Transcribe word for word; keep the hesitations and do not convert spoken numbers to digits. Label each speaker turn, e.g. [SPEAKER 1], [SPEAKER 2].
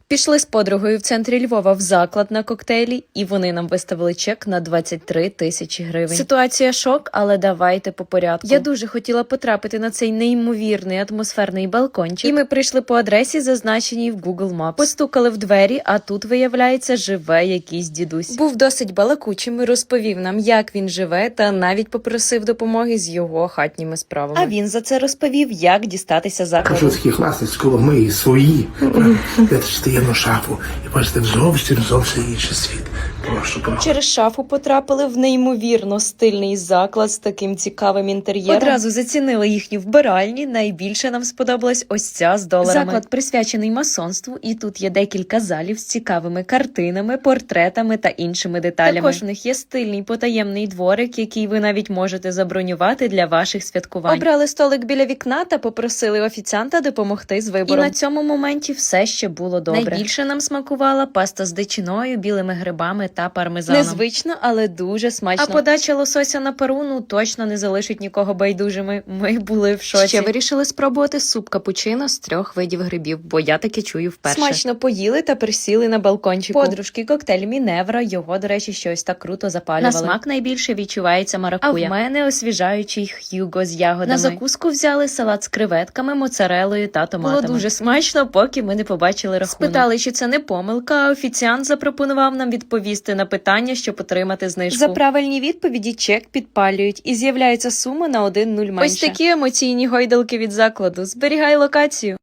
[SPEAKER 1] Пішли з подругою в центрі Львова в заклад на коктейлі, і вони нам виставили чек на двадцять три тисячі гривень. Ситуація шок, але давайте по порядку. Я дуже хотіла потрапити на цей неймовірний атмосферний балкончик, і ми прийшли по адресі, зазначеній в Google Maps. Постукали в двері, а тут, виявляється, живе якийсь дідусь. Був досить балакучим і розповів нам, як він живе, та навіть попросив допомоги з його хатніми справами. А він за це розповів, як дістатися закладу.
[SPEAKER 2] Кажу, такі класні сколомиї, свої. Де ж таємну шафу і бачите, зовсім, зовсім інший світ. Прошу, прошу.
[SPEAKER 1] Через шафу потрапили в неймовірно стильний заклад з таким цікавим інтер'єром. Одразу зацінили їхню вбиральні. Найбільше нам сподобалась ось ця з доларами. Заклад присвячений масонству, і тут є декілька залів з цікавими картинами, портретами та іншими деталями. Також в них є стильний потаємний дворик, який ви навіть можете забронювати для ваших святкувань. Обрали столик біля вікна та попросили офіціанта допомогти з вибором. І на цьому моменті все ще було добре. Найбільше нам смакувала паста з дичиною, білими грибами та пармезаном. Незвично, але дуже смачно. А подача лосося на пару, ну, точно не залишить нікого байдужими. Ми були в шоці. Ще вирішили спробувати суп капучино з трьох видів грибів, бо я таке чую вперше. Смачно поїли та присіли на балкончику. Подружки коктейль Міневра, його, до речі, щось так круто запалювали. На смак найбільше відчувається маракуя. А в мене освіжаючий х'юго з ягодами. На закуску взяли салат з креветками, моцарелою та томатами. Було дуже смачно, поки ми не побачили рахунок. Спитали, чи це не помилка, а офіціант запропонував нам відповісти на питання, щоб отримати знижку. За правильні відповіді чек підпалюють і з'являється сума на один нуль менше. Ось такі емоційні гойдалки від закладу. Зберігай локацію.